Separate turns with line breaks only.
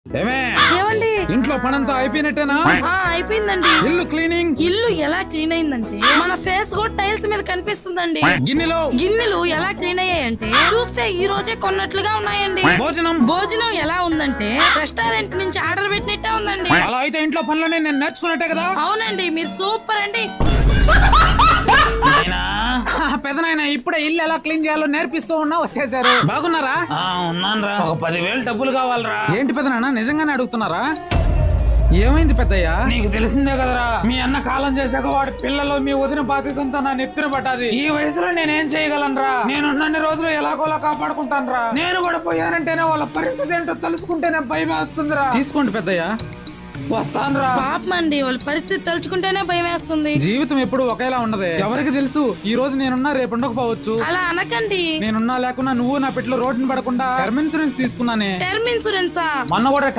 ఏమండి
ఇంట్లో పనంతా అయిపోయినట్టేనా?
అయిపోయిందండి.
ఇల్లు క్లీనింగ్.
ఇల్లు ఎలా క్లీన్ అయిందంటే మన ఫేస్ కూడా టైల్స్ మీద కనిపిస్తుందండి. గిన్నెలు ఎలా క్లీన్ అయ్యాయంటే చూస్తే ఈ రోజే కొన్నట్లుగా ఉన్నాయండి. భోజనం ఎలా ఉందంటే రెస్టారెంట్ నుంచి ఆర్డర్ పెట్టినట్టే ఉందండి.
అలా అయితే ఇంట్లో పనులనే నేను నేర్చుకున్నట్టే కదా.
అవునండి, మీరు సూపర్ అండి.
పెదనాయన ఇప్పుడే ఇల్లు ఎలా క్లీన్ చేయాలో నేర్పిస్తూ ఉన్నా వచ్చేసారు. బాగున్నారా?
ఉన్నానరా, ఒక 10,000 డబ్బులు కావాలరా.
ఏంటి పెదనాయన నిజంగానే అడుగుతున్నారా? ఏమైంది పెద్దయ్యా?
నీకు తెలిసిందే కదరా, మీ అన్న కాలం చేశాక వాడి పిల్లలు మీ వదిన బాధ్యతంతా నా నెత్తిన పట్టాది. ఈ వయసులో నేనేం చేయగలనరా? నేనున్నన్ని రోజులు ఎలాగోలా కాపాడుకుంటానురా. నేను కూడా పోయానంటేనే వాళ్ళ పరిస్థితి ఏంటో తెలుసుకుంటేనే భయం వేస్తుందిరా.
తీసుకోండి పెద్దయ్యా,
వస్తానురా.
పాపం అండి, వాళ్ళ పరిస్థితి తలుచుకుంటేనే భయం వేస్తుంది.
జీవితం ఎప్పుడు ఒకేలా ఉండదే. ఎవరికి తెలుసు ఈ రోజు నేనున్నా రేపు ఉండకపోవచ్చు.
అలా అనకండి.
నేనున్నా లేకున్నా నువ్వు నా పెట్లో రోడ్డుని పడకుండా టర్మ్ ఇన్సూరెన్స్ తీసుకున్నానే.
టర్మ్ ఇన్సూరెన్సా?
మొన్న కూడా